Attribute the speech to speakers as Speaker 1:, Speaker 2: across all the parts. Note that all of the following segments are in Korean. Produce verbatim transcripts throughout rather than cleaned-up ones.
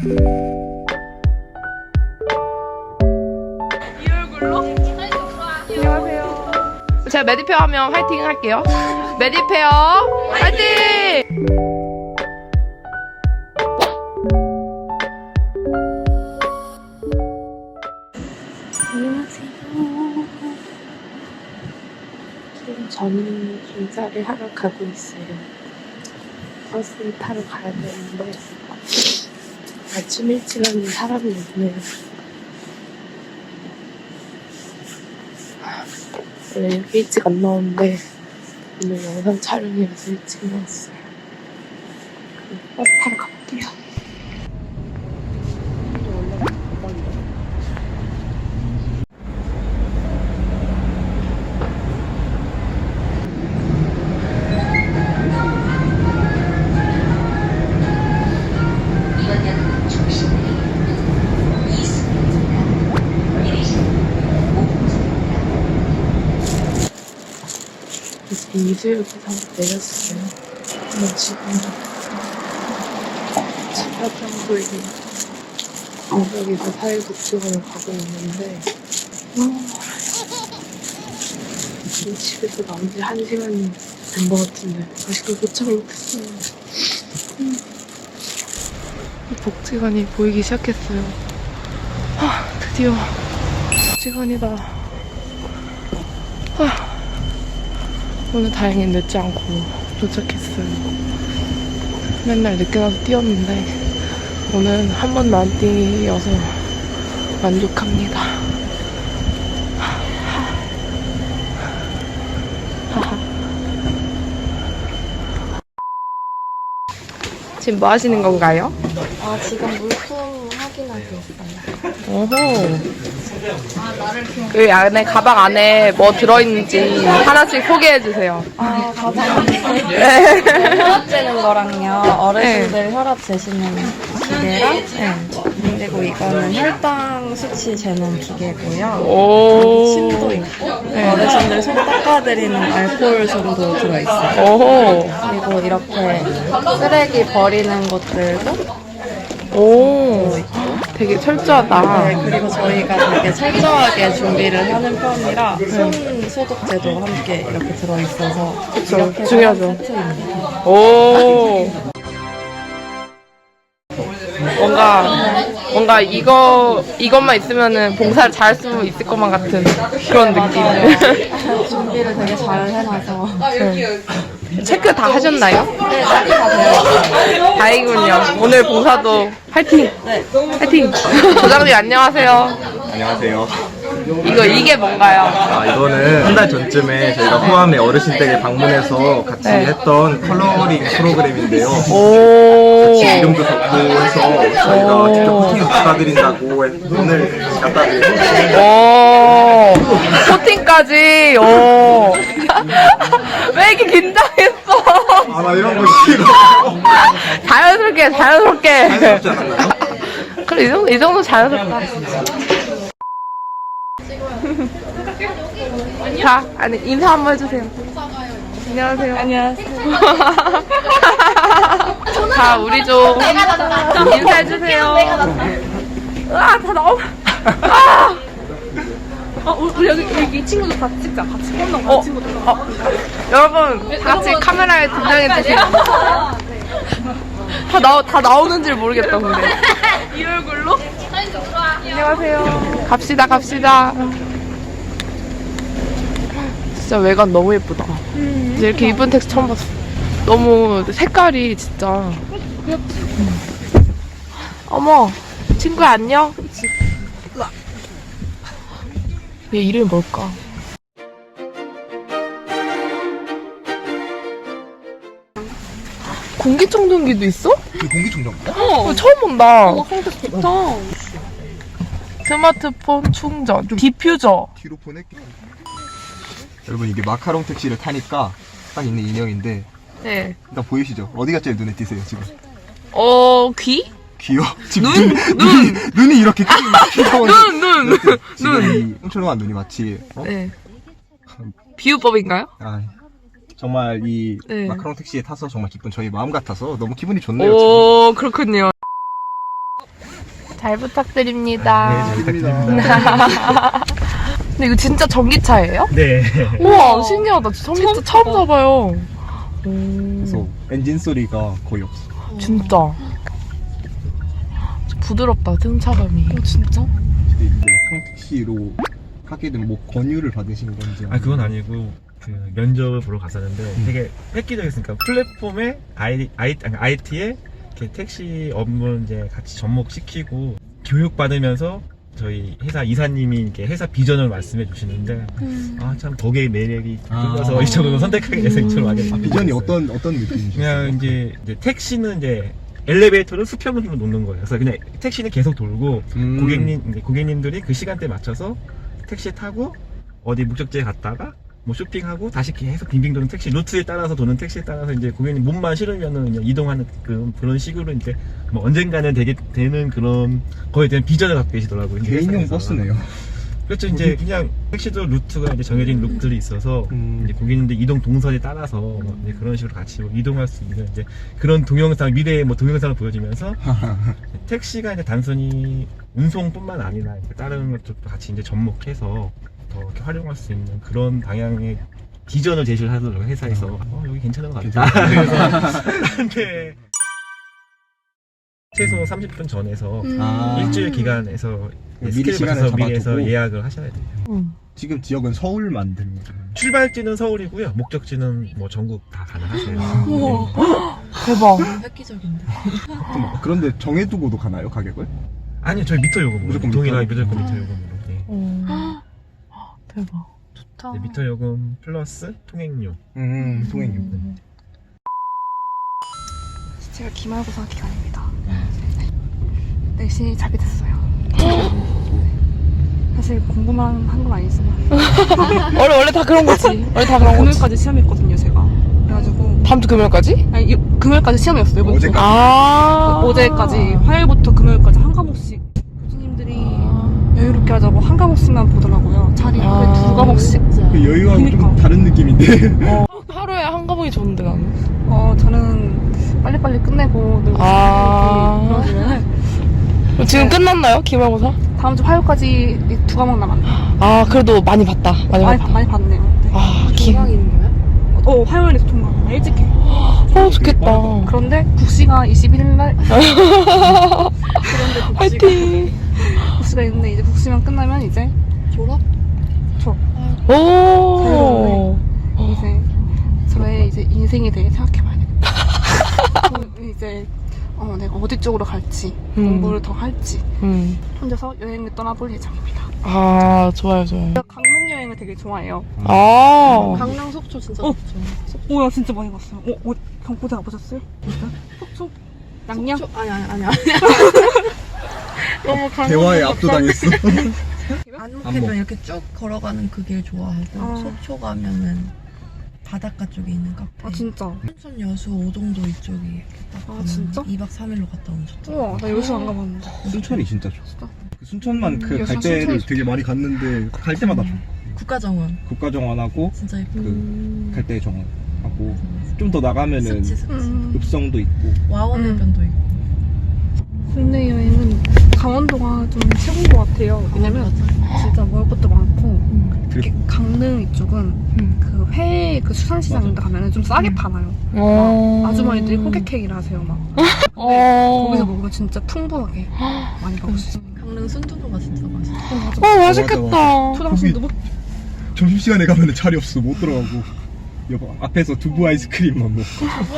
Speaker 1: 이 얼굴로? 안녕하세요. 제가 메디페어 하면 화이팅 할게요. 메디페어 화이팅! 안녕하세요. 지금 저는 인사를 하러 가고 있어요. 버스를 타러 가야 되는데 아침 일찍 하는 사람이 없네요. 원래 이렇게 일찍 안 나오는데 오늘 영상 촬영이라서 일찍 나왔어요. 그럼 버스 타러 가볼게요. 이제 이수역에서 내렸어요. 근데 지금 지하정부에 여기서 사회복지관을 가고 있는데 지금 집에서 나온 지 한 시간이 된 것 같은데 아직도 도착을 못했어요. 음. 복지관이 보이기 시작했어요. 아, 드디어 복지관이다. 아. 오늘 다행히 늦지 않고 도착했어요. 맨날 늦게 나서 뛰었는데 오늘 한 번도 안 뛰어서 만족합니다. 지금 뭐 하시는 건가요?
Speaker 2: 아, 지금 물품 확인하고 있어요.
Speaker 1: 오호. 그 안에 가방 안에 뭐 들어있는지 하나씩 소개해주세요.
Speaker 2: 아, 가방.
Speaker 1: 네.
Speaker 2: 혈압 재는 거랑요. 어르신들 혈압 재시는 기계랑. 네. 그리고 이거는 혈당 수치 재는 기계고요.
Speaker 1: 오.
Speaker 2: 침도 있고. 네. 어르신들 손 닦아드리는 알코올 정도 들어있어요.
Speaker 1: 오호.
Speaker 2: 그리고 이렇게 쓰레기 버리는 것들도
Speaker 1: 오. 되게 철저하다.
Speaker 2: 네, 그리고 저희가 되게 철저하게 준비를 하는 편이라 손 소독제도 함께 이렇게 들어있어서
Speaker 1: 그쵸,
Speaker 2: 이렇게
Speaker 1: 중요하죠.
Speaker 2: 세트입니다.
Speaker 1: 오. 뭔가 뭔가 이거 이것만 있으면은 봉사를 잘할 수 있을 것만 같은 그런 느낌.
Speaker 2: 준비를 되게 잘 해놔서
Speaker 1: 네. 체크 다 하셨나요?
Speaker 2: 네, 딱히 다 되어 있어요.
Speaker 1: 다행이군요. 오늘 봉사도 화이팅!
Speaker 2: 네.
Speaker 1: 화이팅! 부장님 안녕하세요.
Speaker 3: 안녕하세요.
Speaker 1: 이거 이게 뭔가요?
Speaker 3: 아, 이거는 한 달 전쯤에 저희가 포함의 어르신 댁에 방문해서 같이
Speaker 1: 네.
Speaker 3: 했던 컬러링 프로그램인데요.
Speaker 1: 오.
Speaker 3: 이름도 적고 해서 저희가 직접 코팅 받아드린다고 오늘 갖다 드리고
Speaker 1: 오. 코팅까지. 오. 왜 이렇게 긴장했어?
Speaker 3: 아, 나 이런 거 싫어.
Speaker 1: 자연스럽게 자연스럽게.
Speaker 3: 자연스럽지 않았나요?
Speaker 1: 그래 이 정도 이 정도 자연스럽다. 자, 아니 인사 한번 해주세요. 안녕하세요. 안녕하세요. 자, 우리 좀 인사해주세요. 아, 다 나오. 아,
Speaker 4: 어, 우리 여기, 여기 친구들 같이 찍자. 같이 콘돔 같이
Speaker 1: 어,
Speaker 4: 친구들.
Speaker 1: 어, 여러분 다 같이 카메라에 등장해 주세요. 다 나오 다 나오는 줄 모르겠다 근데.
Speaker 4: 이 얼굴로?
Speaker 1: 안녕하세요. 갑시다, 갑시다. 진짜 외관 너무 예쁘다.
Speaker 4: 음,
Speaker 1: 이제 이렇게 이쁜 택시 처음 봤어. 너무 색깔이 진짜. 음. 어머, 친구야 안녕. 얘 이름이 뭘까? 공기청정기도 있어?
Speaker 3: 그 공기청정기야?
Speaker 1: 어, 처음 본다.
Speaker 4: 어, 성격 좋다.
Speaker 1: 스마트폰 충전, 디퓨저.
Speaker 3: 뒤로 보낼게. 여러분, 이게 마카롱 택시를 타니까 딱 있는 인형인데
Speaker 1: 네.
Speaker 3: 일단 보이시죠? 어디가 제일 눈에 띄세요 지금?
Speaker 1: 어, 귀?
Speaker 3: 귀요? 지금
Speaker 1: 눈,
Speaker 3: 눈,
Speaker 1: 눈.
Speaker 3: 눈이, 눈이 이렇게 큰
Speaker 1: 눈, 눈,
Speaker 3: 지금
Speaker 1: 눈.
Speaker 3: 이 똥처럼한 눈이 마치 어?
Speaker 1: 네. 비유법인가요?
Speaker 3: 아, 정말 이
Speaker 1: 네.
Speaker 3: 마카롱 택시에 타서 정말 기쁜 저희 마음 같아서 너무 기분이 좋네요. 지금.
Speaker 1: 오, 그렇군요. 잘 부탁드립니다.
Speaker 3: 네, 부탁드립니다.
Speaker 1: 근데 이거 진짜 전기차예요?
Speaker 3: 네.
Speaker 1: 우와, 신기하다. 전기차 처음 사봐요.
Speaker 3: 그래서 엔진 소리가 거의 없어.
Speaker 1: 진짜. 부드럽다, 승차감이. 어, 진짜?
Speaker 3: 이제 평택시로 하게 된 뭐 권유를 받으신 건지.
Speaker 5: 아 그건 아니고 그 면접을 보러 갔었는데
Speaker 3: 음.
Speaker 5: 되게 획기적이었으니까 플랫폼에 아이, 아이, 아니, 아이티에 이렇게 택시 업무를 이제 같이 접목시키고 교육 받으면서 저희 회사 이사님이 이렇게 회사 비전을 말씀해 주시는데
Speaker 1: 음.
Speaker 5: 아 참 거기에 매력이
Speaker 3: 아.
Speaker 5: 들어서 이쪽으로 선택하게 돼서 이쪽으로 가게
Speaker 3: 아,
Speaker 5: 됐어요.
Speaker 3: 비전이 어떤 어떤 느낌이셨어요?
Speaker 5: 그냥 이제, 이제 택시는 이제 엘리베이터를 수평으로 놓는 거예요. 그래서 그냥 택시는 계속 돌고
Speaker 3: 음.
Speaker 5: 고객님 이제 고객님들이 그 시간대에 맞춰서 택시 타고 어디 목적지에 갔다가 뭐 쇼핑하고 다시 계속 빙빙 도는 택시 루트에 따라서 도는 택시에 따라서 이제 고객님 몸만 실으면은 그냥 이동하는 그, 그런 식으로 이제 뭐 언젠가는 되게 되는 그런 거에 대한 비전을 갖고 계시더라고요. 이제
Speaker 3: 개인용
Speaker 5: 회사에서.
Speaker 3: 버스네요.
Speaker 5: 그렇죠. 이제 그냥 택시도 루트가 이제 정해진 루트들이 있어서
Speaker 3: 음.
Speaker 5: 이제 고객님들 이동 동선에 따라서 뭐 이제 그런 식으로 같이 뭐 이동할 수 있는 이제 그런 동영상 미래의 뭐 동영상을 보여주면서 택시가 이제 단순히 운송뿐만 아니라 이제 다른 것들도 같이 이제 접목해서 더 이렇게 활용할 수 있는 그런 방향의 비전을 제시를 하더라고요 회사에서. 어 여기 괜찮은 것 같다. 그래서 근데 최소 삼십 분 전에서
Speaker 3: 아.
Speaker 5: 일주일 기간에서
Speaker 3: 미리
Speaker 5: 스케줄
Speaker 3: 시간을
Speaker 5: 맞춰서 미리해서
Speaker 3: 잡아두고.
Speaker 5: 예약을 하셔야 돼요.
Speaker 1: 응.
Speaker 3: 지금 지역은 서울만 들면
Speaker 5: 출발지는 서울이고요. 목적지는 뭐 전국 다 가능하세요.
Speaker 1: 우와.
Speaker 5: 네.
Speaker 1: 대박.
Speaker 2: 획기적인데.
Speaker 3: 그런데 정해두고도 가나요 가격을?
Speaker 5: 아니요, 저희 미터 요금으로.
Speaker 3: 무조건
Speaker 5: 동일하게
Speaker 3: 미터?
Speaker 5: 무조건 미터 요금으로. 네.
Speaker 1: 어. 대박. 좋다.
Speaker 5: 네, 미터 요금 플러스 통행료.
Speaker 3: 음 통행료.
Speaker 4: 제가 기말고사 기간입니다. 내신이 자게 됐어요. 사실 공부만 한 건 아니지만
Speaker 1: 원래, 원래 다 그런 거지. 원래 다 그런 거지.
Speaker 4: 금요일까지 시험이었거든요, 제가. 그래가지고
Speaker 1: 다음 주 금요일까지?
Speaker 4: 아니 이- 금요일까지 시험이었어요. 이번 주.
Speaker 3: 어제까지.
Speaker 1: 아.
Speaker 4: 어제까지 화요일부터 금요일까지 한 과목씩 교수님들이 여유롭게 하자고 한 과목씩만 보더라고요. 차라리 하루에
Speaker 1: 아.
Speaker 4: 두 과목씩.
Speaker 3: 그 여유하고 좀
Speaker 4: 그러니까.
Speaker 3: 다른 느낌인데.
Speaker 1: 어, 하루에 한 과목이 좋은데, 나는.
Speaker 4: 어 저는 빨리빨리 끝내고 늘
Speaker 1: 아.
Speaker 4: 그러면은
Speaker 1: 지금 끝났나요? 기말고사?
Speaker 4: 다음 주 화요일까지 이두 과목 남았네.
Speaker 1: 아, 그래도 많이 봤다. 많이
Speaker 4: 많이,
Speaker 1: 봤다.
Speaker 4: 봐- 많이 봤네요. 네.
Speaker 1: 아, 기.
Speaker 4: 어 화요일에 통과. 일찍 해.
Speaker 1: 어, 좋겠다.
Speaker 4: 그런데 국시가 이십일 일 날. 그런데 국시가,
Speaker 1: 화이팅!
Speaker 4: 국시가 있는데 이제 국시만 끝나면 이제
Speaker 2: 졸업?
Speaker 4: 졸업.
Speaker 1: 오.
Speaker 4: 이제 저의 이제 인생에 대해 생각해봐야 되겠다. 이제 어, 내가 어디 쪽으로 갈지,
Speaker 1: 음.
Speaker 4: 공부를 더 할지
Speaker 1: 음.
Speaker 4: 혼자서 여행을 떠나볼 예정입니다.
Speaker 1: 아, 좋아요, 좋아요.
Speaker 4: 제가 강릉 여행을 되게 좋아해요.
Speaker 1: 아.
Speaker 2: 강릉 속초 진짜
Speaker 4: 어.
Speaker 2: 좋죠.
Speaker 4: 오야 진짜 많이 갔어요. 어, 어 경포대 가보셨어요? 진짜? 속초? 양양?
Speaker 2: 속초? 아니 아니 아니 아니.
Speaker 1: 너무 강릉
Speaker 3: 대화에
Speaker 1: 같다.
Speaker 3: 압도당했어.
Speaker 2: 안목해변
Speaker 3: 안목.
Speaker 2: 이렇게 쭉 걸어가는 그 길 좋아하고
Speaker 4: 아.
Speaker 2: 속초 가면은 바닷가 쪽에 있는 카페.
Speaker 4: 아 진짜?
Speaker 2: 순천 여수 오동도 이쪽이 이렇게 딱
Speaker 4: 아,
Speaker 2: 가면
Speaker 4: 진짜?
Speaker 2: 이 박 삼 일로 갔다 오면 좋다.
Speaker 4: 우와 나 여수 안 가봤는데.
Speaker 3: 순천이 진짜 좋아.
Speaker 4: 진짜?
Speaker 3: 그 순천만 그
Speaker 4: 여기서
Speaker 3: 갈 때를
Speaker 4: 순천이
Speaker 3: 되게 많이 갔는데 갈 때마다 좋아.
Speaker 2: 국가정원
Speaker 3: 국가정원하고
Speaker 2: 진짜 예쁘.
Speaker 3: 그 갈 때 정원하고 좀 더 나가면은
Speaker 2: 습지 습지.
Speaker 4: 음.
Speaker 3: 읍성도 있고.
Speaker 2: 와원해변도 있고.
Speaker 4: 국내 여행은 강원도가 좀 최고인 것 같아요. 왜냐면 진짜 먹을 것도 많고 특히 강릉 이쪽은
Speaker 1: 음.
Speaker 4: 그 회 그 수산시장 같은 데 가면은 좀 싸게 파나요.
Speaker 1: 어.
Speaker 4: 아주머니들이 호객행위를 하세요 막.
Speaker 1: 어.
Speaker 4: 거기서 먹으면 진짜 풍부하게 많이 먹을 수 있어요.
Speaker 2: 강릉 순두부가 진짜 맛있어.
Speaker 4: 어, 맞아.
Speaker 1: 어, 맛있겠다.
Speaker 4: 초당순 두부?
Speaker 3: 점심시간에 가면은 자리 없어 못 들어가고. 여보 앞에서 두부 아이스크림만 먹고.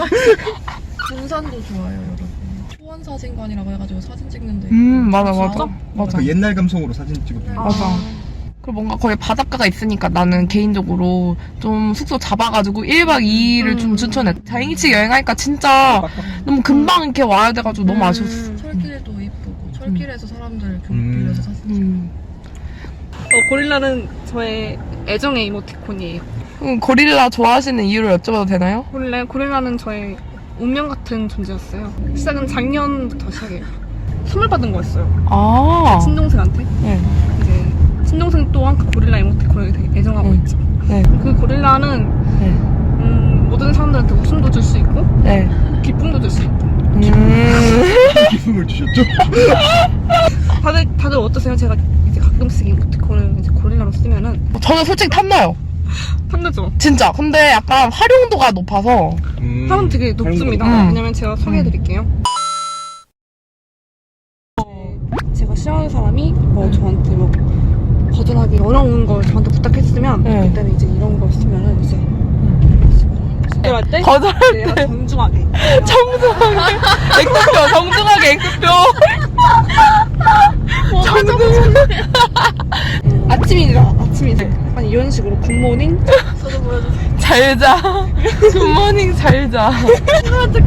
Speaker 2: 군산도 좋아요 여러분. 초원사진관이라고 해가지고 사진 찍는데.
Speaker 1: 음, 맞아, 맞아.
Speaker 2: 진짜?
Speaker 1: 맞아.
Speaker 3: 그 옛날 감성으로 사진 찍어도
Speaker 2: 네.
Speaker 1: 맞아. 그리고 뭔가 거기 바닷가가 있으니까 나는 개인적으로 좀 숙소 잡아가지고 일 박 이 일을 좀
Speaker 4: 음.
Speaker 1: 추천해. 자행이치 여행하니까 진짜 너무 금방 이렇게 와야 돼가지고 너무 아쉬웠어.
Speaker 2: 철길도 이쁘고 철길에서 사람들 교
Speaker 3: 음.
Speaker 2: 빌려서 사진 찍고.
Speaker 1: 음.
Speaker 4: 어, 고릴라는 저의 애정의 이모티콘이에요.
Speaker 1: 음, 고릴라 좋아하시는 이유를 여쭤봐도 되나요?
Speaker 4: 고릴라, 고릴라는 저의 운명 같은 존재였어요. 시작은 작년부터 시작해요. 선물 받은 거였어요.
Speaker 1: 아.
Speaker 4: 친동생한테.
Speaker 1: 네.
Speaker 4: 이제 친동생 또한 그 고릴라 이모티콘을 되게 애정하고
Speaker 1: 음.
Speaker 4: 있죠.
Speaker 1: 네.
Speaker 4: 그 고릴라는
Speaker 1: 네.
Speaker 4: 음, 모든 사람들한테 웃음도 줄 수 있고
Speaker 1: 네.
Speaker 4: 기쁨도 줄 수 있고
Speaker 3: 선물 주셨죠?
Speaker 4: 다들 다들 어떠세요? 제가 이제 가끔씩 이모티콘을 이제 고릴라로 쓰면은
Speaker 1: 저는 솔직히 탐나요.
Speaker 4: 탐나죠?
Speaker 1: 진짜. 근데 약간 활용도가 높아서.
Speaker 3: 음,
Speaker 4: 사람 되게 높습니다.
Speaker 1: 음.
Speaker 4: 왜냐면 제가 소개해드릴게요. 제가 싫어하는 사람이 뭐 저한테 뭐 거절하기 어려운 걸 저한테 부탁했으면
Speaker 1: 네.
Speaker 4: 그때는 이제 이런 걸 쓰면은 이제 거절할 때
Speaker 1: 거절할
Speaker 4: 내가 정중하게
Speaker 1: 정중하게. X표, 정중하게 X표. 정중하게.
Speaker 4: 아침이라 아침이죠. 약간 이런 식으로 굿모닝 저도 보여주세요.
Speaker 1: 잘 자. 굿모닝 잘 자.
Speaker 4: 이제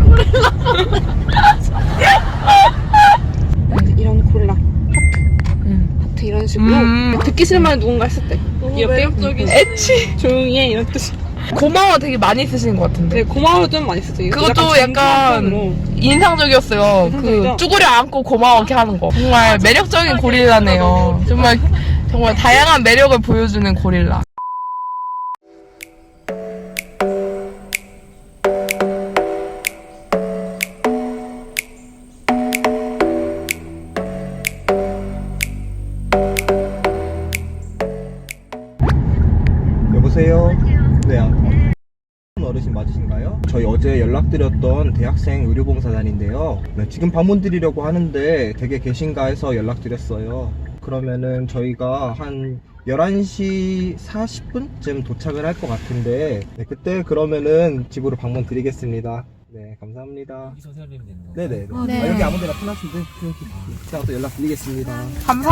Speaker 4: 이런 고릴라
Speaker 1: 음.
Speaker 4: 하트 이런 식으로
Speaker 1: 음.
Speaker 4: 듣기 싫은 말 누군가 했을 때 귀엽게
Speaker 1: 애취.
Speaker 4: 조용히 해 이런 뜻이.
Speaker 1: 고마워 되게 많이 쓰시는 것 같은데.
Speaker 4: 네, 고마워 좀 많이 쓰죠. 이거
Speaker 1: 그것도
Speaker 4: 약간
Speaker 1: 약간
Speaker 4: 정중한
Speaker 1: 인상적이었어요. 그
Speaker 4: 인상적이죠?
Speaker 1: 쭈그려 안고 고마워 이렇게 하는 거. 정말 매력적인 고릴라네요. 정말 정말 다양한 매력을 보여주는 고릴라.
Speaker 3: 여보세요? 네, 아, 어르신 맞으신가요? 저희 어제 연락드렸던 대학생 의료봉사단인데요. 네, 지금 방문 드리려고 하는데 댁에 계신가 해서 연락드렸어요. 그러면은 저희가 한 열한 시 사십 분쯤 도착을 할 것 같은데 네, 그때 그러면은 집으로 방문 드리겠습니다. 네, 감사합니다.
Speaker 6: 여기서 세워드리면 되는 거.
Speaker 3: 네네.
Speaker 1: 아, 네.
Speaker 3: 아, 여기 아무 데나 편하신데 제가 또 연락드리겠습니다.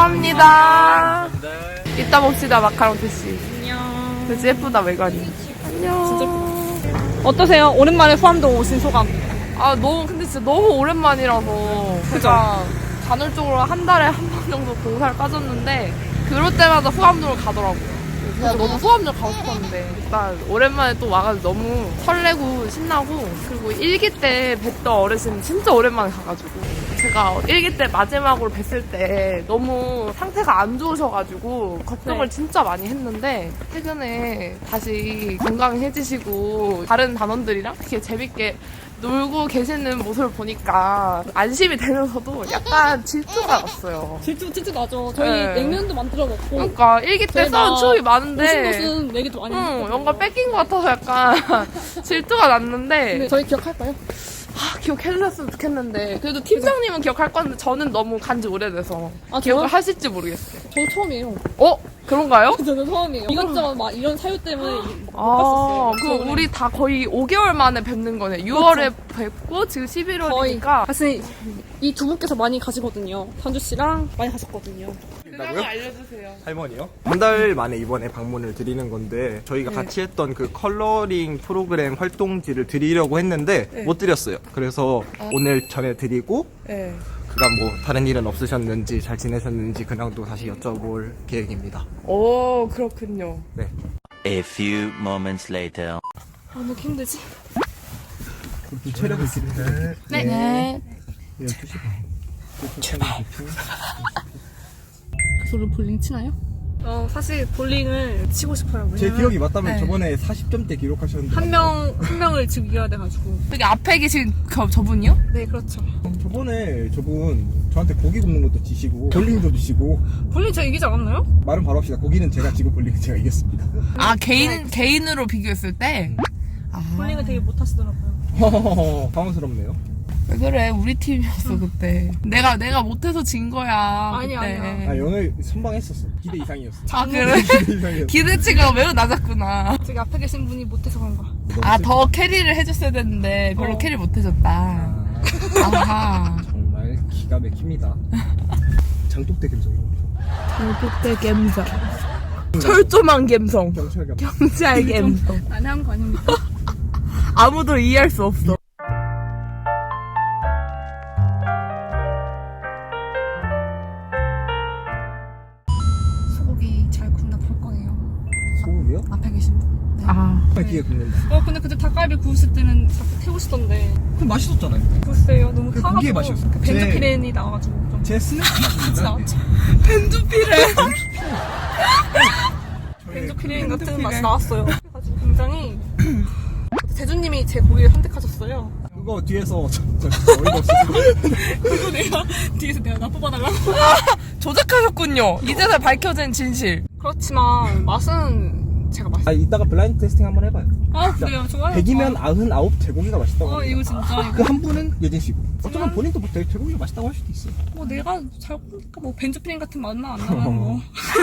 Speaker 1: 감사합니다. 이따 봅시다 마카롱 대씨. 안녕. 대씨 예쁘다 외관이. 안녕.
Speaker 4: 진짜 예쁘다. 어떠세요? 오랜만에 후암동 오신 소감.
Speaker 1: 아 너무 근데 진짜 너무 오랜만이라서 제가 간헐적으로 한 달에 한 번 정도 봉사를 빠졌는데 그럴 때마다 후암동을 가더라고요. 그래서 너무 후암동 가고 싶었는데 일단 오랜만에 또 와가지고 너무 설레고 신나고 그리고 일기 때 뵀던 어르신 진짜 오랜만에 가가지고 제가 일기 때 마지막으로 뵀을 때 너무 상태가 안 좋으셔가지고 걱정을
Speaker 4: 네.
Speaker 1: 진짜 많이 했는데 최근에 다시 건강해지시고 다른 단원들이랑 이렇게 재밌게 놀고 계시는 모습을 보니까 안심이 되면서도 약간 질투가 났어요.
Speaker 4: 질투 질투 나죠. 저희
Speaker 1: 네.
Speaker 4: 냉면도 만들어 먹고.
Speaker 1: 그러니까 일기 때
Speaker 4: 저희가
Speaker 1: 싸운 추억이
Speaker 4: 오신
Speaker 1: 많은데
Speaker 4: 곳은 얘기도 많이
Speaker 1: 응,
Speaker 4: 했거든요.
Speaker 1: 뭔가 뺏긴 것 같아서 약간 질투가 났는데
Speaker 4: 네, 저희 기억할까요?
Speaker 1: 아, 기억해주셨으면 좋겠는데 그래도 팀장님은 기억할 건데 저는 너무 간지 오래돼서
Speaker 4: 아,
Speaker 1: 기억을
Speaker 4: 저요?
Speaker 1: 하실지 모르겠어요.
Speaker 4: 저도 처음이에요.
Speaker 1: 어? 그런가요?
Speaker 4: 저는 처음이에요. 이것저것 막 이런 사유 때문에 못
Speaker 1: 아,
Speaker 4: 갔었어요.
Speaker 1: 그
Speaker 4: 저번에.
Speaker 1: 우리 다 거의 오 개월 만에 뵙는 거네. 유월에 뵙고 지금
Speaker 4: 거의
Speaker 1: 십일월이니까
Speaker 4: 사실 이 두 분께서 많이 가시거든요. 단주 씨랑 많이 가셨거든요.
Speaker 1: 그걸 알려주세요.
Speaker 3: 할머니요? 한 달 만에 이번에 방문을 드리는 건데 저희가
Speaker 1: 네.
Speaker 3: 같이 했던 그 컬러링 프로그램 활동지를 드리려고 했는데
Speaker 1: 네.
Speaker 3: 못 드렸어요. 그래서
Speaker 1: 아.
Speaker 3: 오늘 전해드리고
Speaker 1: 네.
Speaker 3: 그간 뭐 다른 일은 없으셨는지 잘 지내셨는지 근황도 다시 여쭤볼 계획입니다.
Speaker 1: 오, 그렇군요.
Speaker 3: 네.
Speaker 7: A few moments later.
Speaker 4: 아, 왜 이렇게 힘들지?
Speaker 3: 체력을 기르는
Speaker 1: 네. 네.
Speaker 3: 열두 시 반.
Speaker 4: 저를 볼링 치나요? 어, 사실 볼링을 치고 싶어요.
Speaker 3: 제
Speaker 4: 왜냐면
Speaker 3: 기억이 맞다면
Speaker 1: 네.
Speaker 3: 저번에 사십 점대 기록하셨는데
Speaker 4: 한 명, 한 명을 지금 이겨야 돼가지고.
Speaker 1: 여기 앞에 계신 그, 저분이요?
Speaker 4: 네, 그렇죠.
Speaker 3: 저번에 저분 저한테 고기 굽는 것도 지시고 볼링도 주시고
Speaker 4: 볼링 제가 이기지 않았나요?
Speaker 3: 말은 바로 합시다. 고기는 제가 지고 볼링은 제가 이겼습니다.
Speaker 1: 아, 개인, 개인으로 비교했을 때? 아.
Speaker 4: 볼링을 되게 못하시더라고요.
Speaker 3: 당황스럽네요.
Speaker 1: 왜 그래? 우리 팀이었어, 그때. 내가, 내가 못해서 진 거야.
Speaker 4: 아니,
Speaker 1: 그때.
Speaker 4: 아니야.
Speaker 3: 아 오늘 선방했었어. 기대 이상이었어.
Speaker 1: 아, 그래?
Speaker 3: 기대 이상이었어.
Speaker 1: 기대치가 매우 낮았구나.
Speaker 4: 저기 앞에 계신 분이 못해서 그런 거야.
Speaker 1: 아, 더 캐리를 해줬어야 됐는데, 별로
Speaker 4: 어.
Speaker 1: 캐리 못해줬다. 아하.
Speaker 3: 정말 기가 막힙니다. 장독대 감성이요.
Speaker 1: 그때 갬성. 철조망 갬성.
Speaker 3: 경찰 감성.
Speaker 1: 경찰 갬성.
Speaker 4: 안 한 거 아닙니까?
Speaker 1: 아무도 이해할 수 없어.
Speaker 4: 소고기 잘 굽나 볼 거예요.
Speaker 3: 소고기요?
Speaker 4: 앞에 계신 분.
Speaker 1: 아.
Speaker 3: 기에 굽는다.
Speaker 4: 어, 근데 그때 닭갈비 구우실 때는 자꾸 태우시던데.
Speaker 3: 그럼 맛있었잖아요.
Speaker 4: 글쎄요, 너무
Speaker 3: 그
Speaker 4: 타가지고.
Speaker 3: 고기에 맛이었어.
Speaker 4: 그
Speaker 3: 제-
Speaker 4: 벤조피렌이 나와가지고 좀.
Speaker 3: 제 스낵
Speaker 4: 같이 나왔죠.
Speaker 1: 벤두피레.
Speaker 4: 벤조피렌 같은 맛이 나왔어요. 그래가지고 굉장히. 재준님이 제 고기를 선택하셨어요.
Speaker 3: 그거 뒤에서 저, 저, 저 어이가 없어서
Speaker 4: 그리고 내가 뒤에서 내가 나 뽑아달라고.
Speaker 1: 조작하셨군요. 이제서 밝혀진 진실.
Speaker 4: 그렇지만 맛은 제가 맛있어요.
Speaker 3: 아 이따가 블라인드 테스팅 한번 해봐요.
Speaker 4: 아 그래요? 좋아요.
Speaker 3: 백이면 아흔아홉 제고기가 맛있다고
Speaker 4: 어
Speaker 3: 합니다.
Speaker 4: 이거 진짜
Speaker 3: 그 한 분은 예진 씨고 어쩌면 본인도 뭐 되게 제고기가 맛있다고 할 수도 있어요.
Speaker 4: 뭐 내가 잘 먹으니까 뭐 벤조피린 같은 맛만 안 나면 뭐.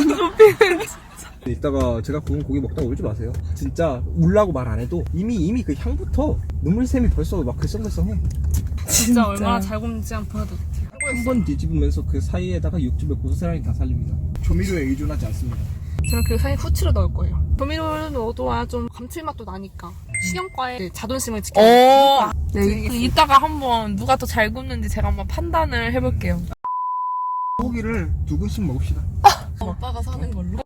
Speaker 3: 이따가 제가 구운 고기 먹다가 울지 마세요. 진짜 울라고 말 안 해도 이미 이미 그 향부터 눈물샘이 벌써 막 글썽글썽해.
Speaker 4: 진짜 얼마나 잘 굽는지 한번 보여드릴게요.
Speaker 3: 한 번 뒤집으면서 그 사이에다가 육즙의 고소사랑이 다 살립니다. 조미료에 의존하지 않습니다.
Speaker 4: 저는 그 사이에 후추를 넣을 거예요. 조미료를 넣어둬야 좀 감칠맛도 나니까. 식용과의 자존심을 지켜.
Speaker 1: 어. 네, 그 이따가 한번 누가 더 잘 굽는지 제가 한번 판단을 해볼게요.
Speaker 3: 고기를 두 근씩 먹읍시다.
Speaker 1: 오빠가 사는 걸로?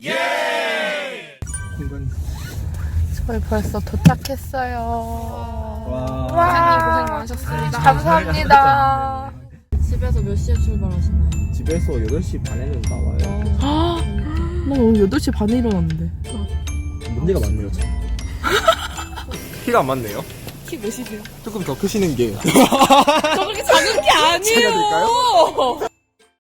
Speaker 3: 공간.
Speaker 1: 저희 벌써 도착했어요.
Speaker 3: 와.
Speaker 1: 와,
Speaker 4: 고생 많으셨습니다.
Speaker 1: 감사합니다.
Speaker 2: 집에서 몇 시에 출발하시나요?
Speaker 3: 집에서 여덟 시 반에는 나와요.
Speaker 1: 나 오늘 여덟 시 반에 일어났는데.
Speaker 3: 문제가 많네요, 저. 키가 안 맞네요.
Speaker 4: 키 몇이세요?
Speaker 3: 조금 더 크시는 게.
Speaker 1: 저 그렇게 작은 게
Speaker 3: 제가 될까요?
Speaker 1: 아니에요.